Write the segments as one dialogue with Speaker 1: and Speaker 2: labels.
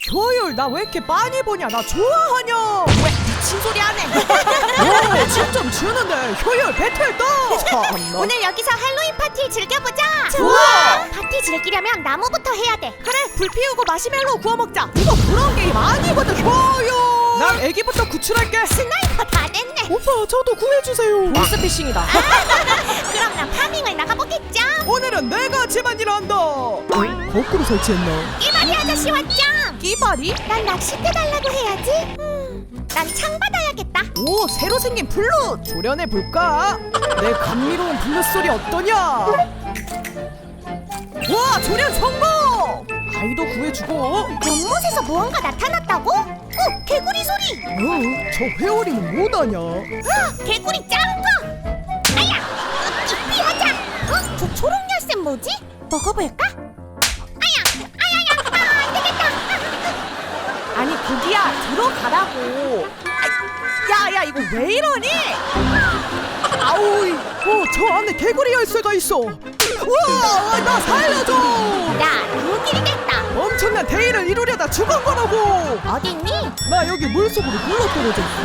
Speaker 1: 효율 나 왜 이렇게 많이 보냐? 나 좋아하냐?
Speaker 2: 왜 미친 소리 하네.
Speaker 1: 오, 진좀 주는데 효율 배틀 떠. 참나.
Speaker 2: 오늘 여기서 할로윈 파티 즐겨보자.
Speaker 1: 좋아.
Speaker 2: 파티 즐기려면 나무부터 해야 돼.
Speaker 1: 그래, 불 피우고 마시멜로 구워 먹자. 이거 그런 게임 아니거든. 효율. 난 애기부터 구출할게.
Speaker 2: 스나이퍼 다 됐네.
Speaker 1: 오빠 저도 구해주세요. 보스피싱이다.
Speaker 2: 그럼 난 파밍을 나가보겠죠.
Speaker 1: 오늘은 내가 집안일 한다. 거꾸로 설치했나?
Speaker 2: 끼바리 아저씨 왔죠.
Speaker 1: 끼바리?
Speaker 2: 난 낚싯대 달라고 해야지. 난 창 받아야겠다.
Speaker 1: 오, 새로 생긴 블루 조련해 볼까? 내 감미로운 블루 소리 어떠냐? 와, 조련 성공! 아이도 구해주고.
Speaker 2: 연못에서 무언가 나타났다고? 개구리 소리.
Speaker 1: 저 회오리는 뭐다냐?
Speaker 2: 개구리 작은 거. 아야, 피하자. 저 초록 열쇠 뭐지? 먹어볼까? 아야, 안 되겠다.
Speaker 1: 아니 고기야, 들어가라고. 야야, 이거 왜 이러니? 아우, 저 안에 개구리 열쇠가 있어. 우와, 나 살려줘.
Speaker 2: 나 루길이 됐다.
Speaker 1: 엄청난 대의를 이루려다 죽은 거라고.
Speaker 2: 어딨니?
Speaker 1: 나 여기 물속으로 굴러 떨어졌어.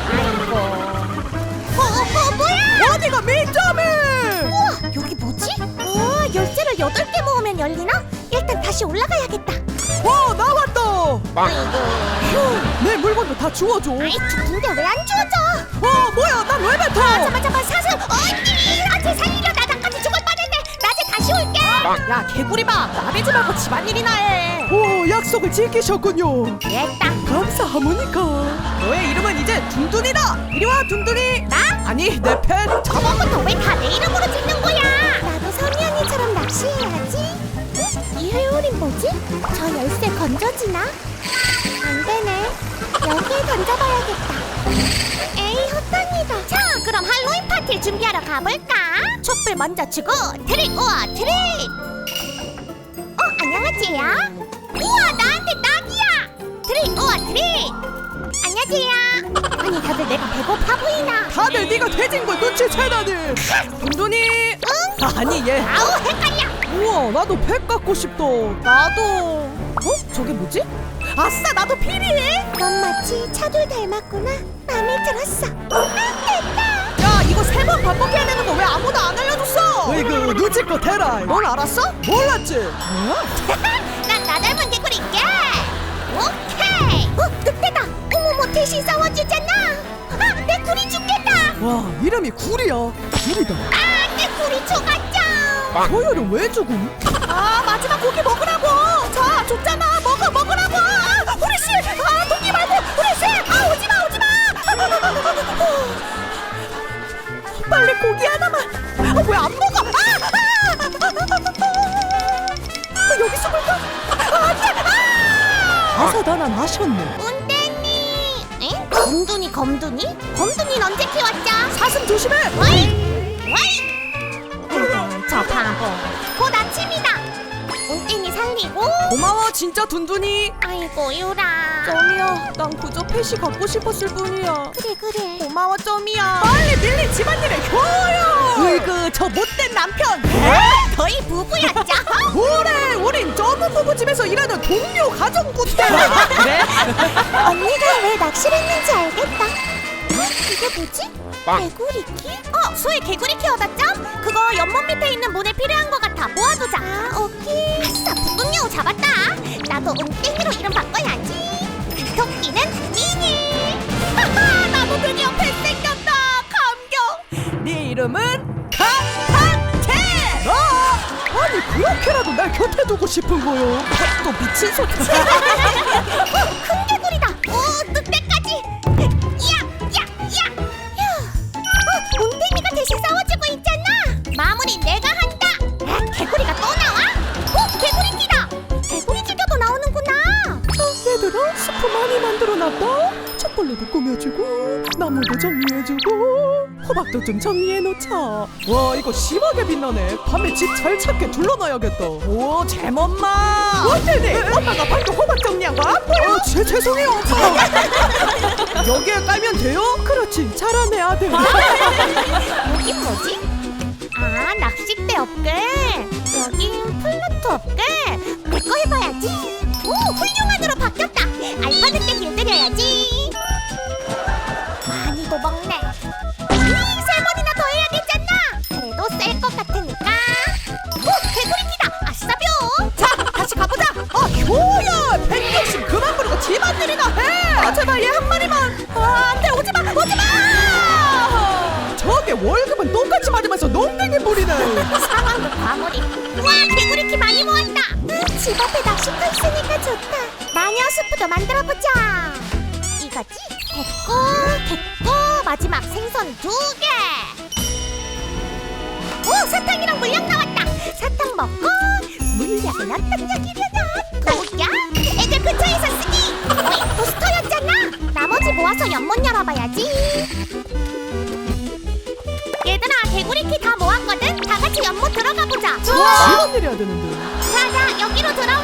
Speaker 2: 아이고. 뭐야?
Speaker 1: 어디가 민점해?
Speaker 2: 우와, 여기 뭐지? 열쇠를 8개 모으면 열리나? 일단 다시 올라가야겠다.
Speaker 1: 와, 나왔다.
Speaker 2: 아이고.
Speaker 1: 휴, 내 물건도 다 주워줘.
Speaker 2: 아이, 좋은데 왜 안 주워져?
Speaker 1: 뭐야, 난 왜 뱉어?
Speaker 2: 잠깐, 사슴. 언니, 나한테 살리려. 나 나까지 죽을 뻔했네. 낮에 다시 올게.
Speaker 1: 야, 개구리마, 나대지 말고 집안일이나 해. 오, 약속을 지키셨군요.
Speaker 2: 됐다.
Speaker 1: 감사하모니까. 너의 이름은 이제 둔둔이다. 이리 와, 둔둔이.
Speaker 2: 나?
Speaker 1: 아니, 내 팬.
Speaker 2: 저번부터 왜 다 내 이름으로 짓는 거야? 나도 선이 언니처럼 낚시해야지. 이 회오린 뭐지? 저 열쇠 건져지나? 안 되네. 여기에 던져봐야겠다. 에이, 헛다니다. 자, 그럼 할로윈 파티를 준비하러 가볼까? 촛불 먼저 주고 트릭 오어 트릭. 안녕하세요. 우와, 나한테 딱이야. 트릭 오어 트릭. 안녕하세요. 아니, 다들 내가 배고파 보이나?
Speaker 1: 다들 네가 돼진 걸 눈치채다니. 둔둔이.
Speaker 2: 응?
Speaker 1: 아니, 얘.
Speaker 2: 아우, 헷갈려.
Speaker 1: 우와, 나도 팩 갖고 싶다. 나도. 저게 뭐지? 아싸, 나도 필요해.
Speaker 2: 넌 마치 차돌 닮았구나. 마음에 들었어. 됐다.
Speaker 1: 야, 이거 3번 반복해야 되는 거 왜 아무도 안 알려줬어? 으이그, 눈치껏 해라. 넌 알았어? 몰랐지? 뭐야?
Speaker 2: 난 나 닮은 개구리게. 오케이. 늑대다. 어머머, 대신 싸워주잖아. 내 구리 죽겠다.
Speaker 1: 와, 이름이 구리야. 구리다.
Speaker 2: 내 구리 죽었죠.
Speaker 1: 효율은 왜 죽음? 마지막 고기 먹으라고. 자, 줬잖아. 먹으라고. 후리씨. 도끼 말고. 후리씨. 오지마. 빨리 고기 하나만. 왜 안 먹어? 여기 숨을까? 안돼. 아사다난 하셨네.
Speaker 2: 운대니. 응? 검둥이. 검둥이는 언제 키웠죠?
Speaker 1: 사슴 조심해.
Speaker 2: 와이. 저 바보. 곧 아침이다. 운대니 살리고.
Speaker 1: 고마워, 진짜 둔둔이.
Speaker 2: 아이고, 유라.
Speaker 1: 점이야, 난 그저 펫이 갖고 싶었을 뿐이야.
Speaker 2: 그래.
Speaker 1: 고마워, 점이야. 빨리 밀린 집안일에 효요. 으이그, 저 못된 남편.
Speaker 2: 저희 부부였죠?
Speaker 1: 그래, 우린 점은 부부집에서 일하는 동료 가정부터. 그래?
Speaker 2: 언니가 왜 낚시를 했는지 알겠다. 이게 뭐지? 개구리키? 소의 개구리키 얻었죠? 그거 연못 밑에 있는 문에 필요한 것 같아. 모아두자. 오케이. 아싸, 북극여우 잡았다. 나도 은땡이로 이름 바꿔야지. 토끼는 미니. 나도 드디어 펫 생겼다. 감격.
Speaker 1: 네 이름은 강한태. 아니, 그렇게라도 날 곁에 두고 싶은 거요. 또 미친 소리.
Speaker 2: 큰 개구리다. 늑대까지. 야. 웅댕이가 대신 싸워주고 있잖아. 마무리 내가 한다. 개구리가 또 나와? 개구리기다. 개구리 죽여도 나오는구나.
Speaker 1: 얘들아, 스프 많이 만들어놨다. 촛불로도 꾸며주고 나무도 정리해주고 호박도 좀 정리해놓자. 와, 이거 심하게 빛나네. 밤에 집 잘 찾게 둘러놔야겠다. 오, 잼엄마. 어때네? 엄마가 방금 호박 정리한 거 안 보여? 죄송해요, 엄마. 여기에 깔면 돼요? 그렇지, 잘하네 아들.
Speaker 2: 여긴 뭐지? 낚싯대 업글. 여긴 플루토 업글. 내 거 해봐야지. 오, 훌륭한으로 바뀌었다.
Speaker 1: 농땡이 뿌리네.
Speaker 2: 상황도 과몰입. 우와, 개구리키 많이 모았다. 집 앞에 낚시터 있으니까 좋다. 마녀 수프도 만들어보자. 이거지? 됐고. 마지막 생선 2개. 오, 사탕이랑 물약 나왔다. 사탕 먹고 물약은 어떤 약이려나? 뭐야? 애들 근처에서 쓰기. 어이, 부스터였잖아. 나머지 모아서 연못 열어봐야지. 얘들아, 개구리키 다 모았거든? 다 같이 연못 들어가 보자.
Speaker 1: 집안 내려야 되는데.
Speaker 2: 자, 여기로 들어와.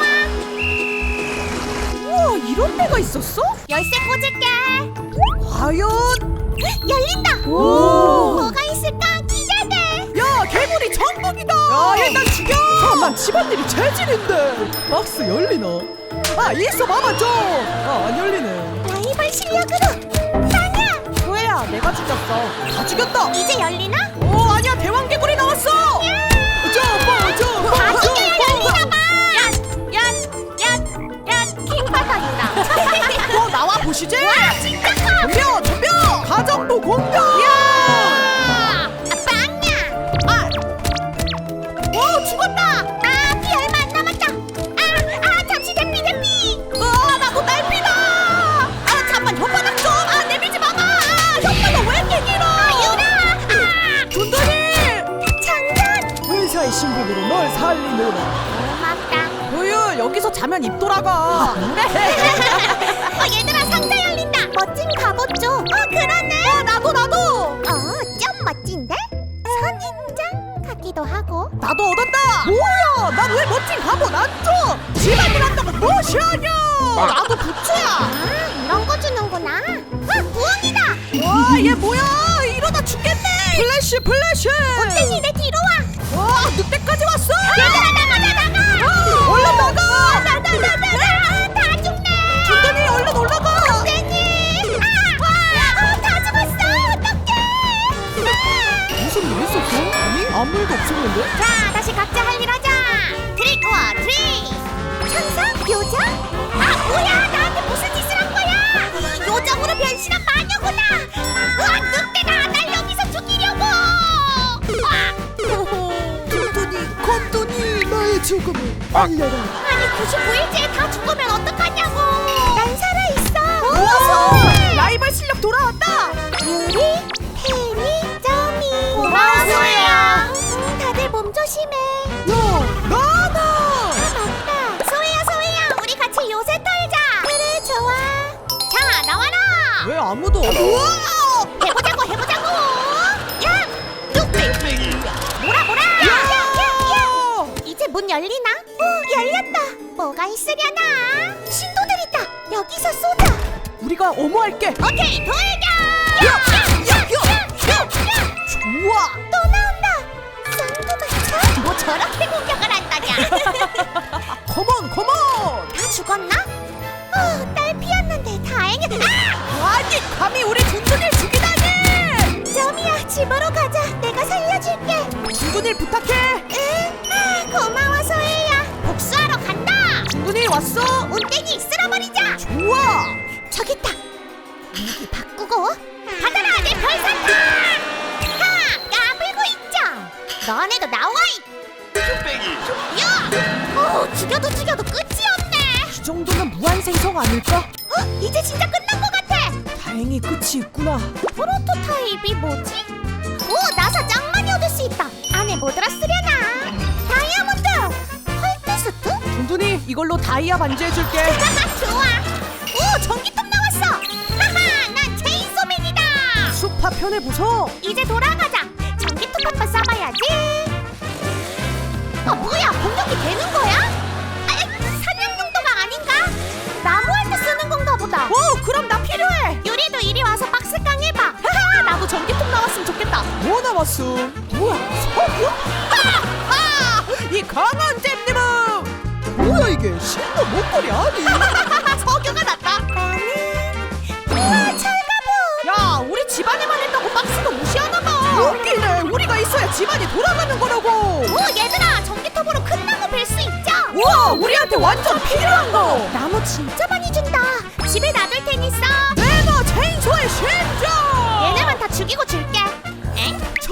Speaker 1: 우와, 이런 데가 있었어?
Speaker 2: 열쇠 꽂을게.
Speaker 1: 과연?
Speaker 2: 열린다.
Speaker 1: 오.
Speaker 2: 뭐가 있을까? 기대돼.
Speaker 1: 야, 개구리 천국이다. 야, 일단 죽여. 난 집안일이 재질인데. 박스 열리나? 아, 있어 봐봐 좀. 아, 안 열리네.
Speaker 2: 라이벌 실력으로 빵야.
Speaker 1: 뭐야, 내가 죽였어. 다 죽였다.
Speaker 2: 이제 열리나?
Speaker 1: 오, 아니야, 대왕 개구리 나왔어. 점프.
Speaker 2: 다 죽여야 열리나 봐. 킹바닥이다.
Speaker 1: 또 나와 보시지.
Speaker 2: 와, 진짜 커.
Speaker 1: 덤벼. 가정도 공격.
Speaker 2: 야! 빵야. 오, 죽었다. 피 얼마 안 남았다. 잠시 대피.
Speaker 1: 나도 날피다. 잠만, 혓바닥 좀. 내밀지 마봐. 혓바닥 왜 이렇게 길어?
Speaker 2: 유라.
Speaker 1: 준돈이.
Speaker 2: 장전.
Speaker 1: 회사의 신분으로 널 살리노라.
Speaker 2: 고맙다.
Speaker 1: 우유, 여기서 자면 입 돌아가. 그래.
Speaker 2: 얘들아, 상자 열린다. 멋진 갑옷 줘. 그러네.
Speaker 1: 나도.
Speaker 2: 좀 멋진데? 선인장 같기도 하고.
Speaker 1: 나도 얻었다. 뭐야, 난 왜 멋진 갑옷 안 줘? 집안일 한다고 무시하냐? 나도 부츠야.
Speaker 2: 이런 거 주는구나. 부엉이다.
Speaker 1: 와, 얘 뭐야? 이러다 죽겠네. 플래시.
Speaker 2: 땡이 내 뒤로 와.
Speaker 1: 와, 늑대까지 왔어.
Speaker 2: 얘들아, 나가.
Speaker 1: 얼른 나가.
Speaker 2: 다 죽네.
Speaker 1: 준돈이 얼른 올라가.
Speaker 2: 땡이. 다 죽었어. 어떡해.
Speaker 1: 무슨 일 있었어? 아니, 아무 일도 없었는데.
Speaker 2: 자, 다시 각자 할 일 하자. 트릭 워 트릭. 천사? 요정? 뭐야, 나한테 무슨 짓을 한 거야? 요정으로 변신한 마녀구나. 늑대다. 날 여기서 죽이려고.
Speaker 1: 건돈이 나의 죽음을 알려라.
Speaker 2: 아니, 99일째에 다 죽으면 어떡하냐고. 난 살아있어.
Speaker 1: 라이벌 실력 돌아왔다.
Speaker 2: 유리, 태니, 점이. 고마워, 소혜야. 다들 몸 조심해.
Speaker 1: 야, 나나.
Speaker 2: 맞다. 소혜야, 우리 같이 요새 털자. 그래, 좋아. 자, 나와라.
Speaker 1: 왜 아무도 없어?
Speaker 2: 해보자고. 야, 뚝. 뭐라. 야. 이제 문 열리나? 열렸다. 뭐가 있으려나? 신도들 있다. 여기서 쏘자.
Speaker 1: 우리가 어머할게.
Speaker 2: 오케이, 돌격.
Speaker 1: 좋아.
Speaker 2: 또 나온다. 쌍두마차? 뭐 저렇게 공격을 한다냐?
Speaker 1: 컴온.
Speaker 2: 다 죽었나? 딸 피었는데 다행이다.
Speaker 1: 아니, 감히 우리 준돈이를 죽이다니.
Speaker 2: 점이야, 집으로 가자. 내가 살려줄게.
Speaker 1: 준돈이 부탁해.
Speaker 2: 응. 고마워, 소혜야. 복수하러 간다.
Speaker 1: 준돈이 왔어.
Speaker 2: 온땡이 쓸어버리자.
Speaker 1: 좋아.
Speaker 2: 저기 있다. 무기 바꾸고. 받아라, 내 별산타. 까불고 있죠. 너네도 나와. 야! 죽여도 끝이 없네.
Speaker 1: 이 정도면 무한생성 아닐까?
Speaker 2: 이제 진짜 끝난 것 같아.
Speaker 1: 다행히 끝이 있구나.
Speaker 2: 프로토타입이 뭐지? 오, 나사 짱 많이 얻을 수 있다. 안에 뭐 들었으려나? 다이아몬드! 헐트스트?
Speaker 1: 준돈이 이걸로 다이아 반지해줄게.
Speaker 2: 좋아. 오, 전기톱 나왔어. 하하, 난 체인소맨이다.
Speaker 1: 수파 편해 보소.
Speaker 2: 이제 돌아가자. 전기톱 한번 쏴봐야지. 뭐야, 공격이 되는 거야? 사냥 용도가 아닌가? 나무할 때 쓰는 건가 보다.
Speaker 1: 그럼 나 필요해.
Speaker 2: 유리도 이리 와서 박스깡 해봐.
Speaker 1: 나도 전기톱 나왔으면 좋겠다. 뭐 나왔음? 뭐야, 석유? 이 강한 잼님은 뭐야, 이게 신도 목걸이 아니?
Speaker 2: 석유가 났다. 나는 철가보.
Speaker 1: 야, 우리 집안에만 했다고 박스도 무시하나봐. 웃기네. 우리가 있어야 집안이 돌아가는 거라고.
Speaker 2: 오, 얘들아, 전기톱으로 큰 나무 벨 수 있죠?
Speaker 1: 우와, 우리한테 완전 필요한 거.
Speaker 2: 나무 진짜 많이 준다. 집에 놔둘 테니 써.
Speaker 1: 내가 체인소의 심장.
Speaker 2: 얘네만 다 죽이고 줄게. 엥?
Speaker 1: 저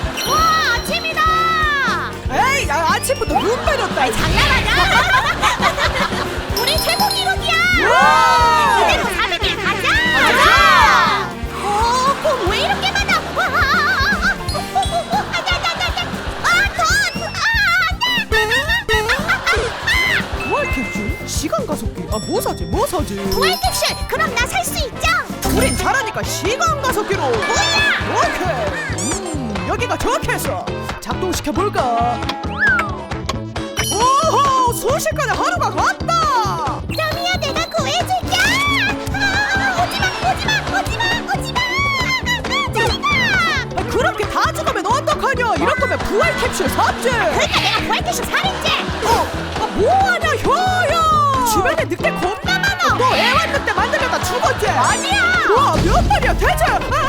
Speaker 2: 와, 아침이다.
Speaker 1: 에이, 야, 아침부터 눈 빼렸다.
Speaker 2: 장난하냐? 우리 최고 기록이야.
Speaker 1: 와!
Speaker 2: 이대로 400일 가자. 공 왜 이렇게 많아?
Speaker 1: 부활 캡슐? 시간 가속기? 아, 뭐 사지? 뭐 사지?
Speaker 2: 부활 캡슐. 그럼 나 살 수 있죠?
Speaker 1: 우린 잘하니까 시간 가속기로.
Speaker 2: 뭐야?
Speaker 1: 오케이. 여기가 좋겠어. 작동시켜볼까? 오호! 순식간에 하루가 갔다!
Speaker 2: 점이야, 내가 구해줄게. 오지마.
Speaker 1: 아, 그렇게 다 죽으면 어떡하냐? 이럴 거면 부활 캡슐 샀지!
Speaker 2: 그러니까 내가 부활 캡슐 사랬지.
Speaker 1: 뭐하냐, 효야! 주변에 늑대 겁나 많아! 너 애완늑대 만들려다 죽었지?
Speaker 2: 아니야.
Speaker 1: 와, 몇 마리야, 대체!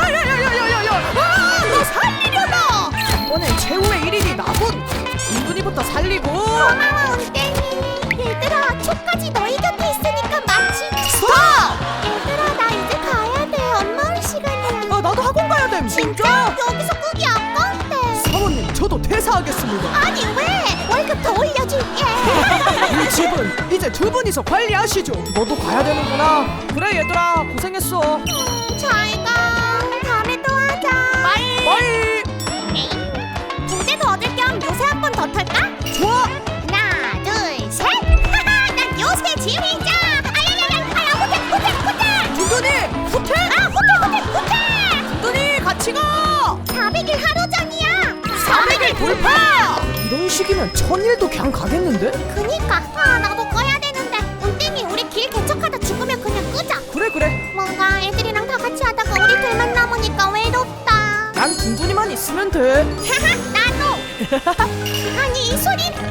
Speaker 1: 너 살리려다! 오늘 최후의 1인이 나군! 은근히부터 살리고!
Speaker 2: 고마워, 운땡이. 얘들아, 초까지 너희 곁에 있으니까 마치.
Speaker 1: 스톱!
Speaker 2: 얘들아, 나 이제 가야 돼. 엄마 올 시간이야.
Speaker 1: 아, 나도 학원 가야 됨!
Speaker 2: 진짜? 여기서 끄기 아까운데.
Speaker 1: 사모님, 저도 퇴사하겠습니다.
Speaker 2: 아니, 왜? 월급 더 올려줄게.
Speaker 1: 이 집은 이제 두 분이서 관리하시죠. 너도 가야 되는구나. 그래, 얘들아, 고생했어.
Speaker 2: 잘 가. 다음에 또 하자. 바이.
Speaker 1: 빠이!
Speaker 2: 붕대도 얻을 겸 요새 한 번 더 털까?
Speaker 1: 좋아!
Speaker 2: 하나, 둘, 셋. 난 요새 지휘자. 호텔.
Speaker 1: 둔둔이, 호텔!
Speaker 2: 호텔.
Speaker 1: 둔둔이, 같이 가!
Speaker 2: 400일 하루 전이야.
Speaker 1: 400일 돌파! 이런 식이면 1000일도 그냥 가겠는데?
Speaker 2: 그니까. 나도 꺼야 되는데. 운땡이, 우리 길 개척하다 죽으면 그냥 끄자.
Speaker 1: 그래.
Speaker 2: 뭔가 애들이랑 다 같이 하다가 우리 둘만 남으니까 아니 이 소린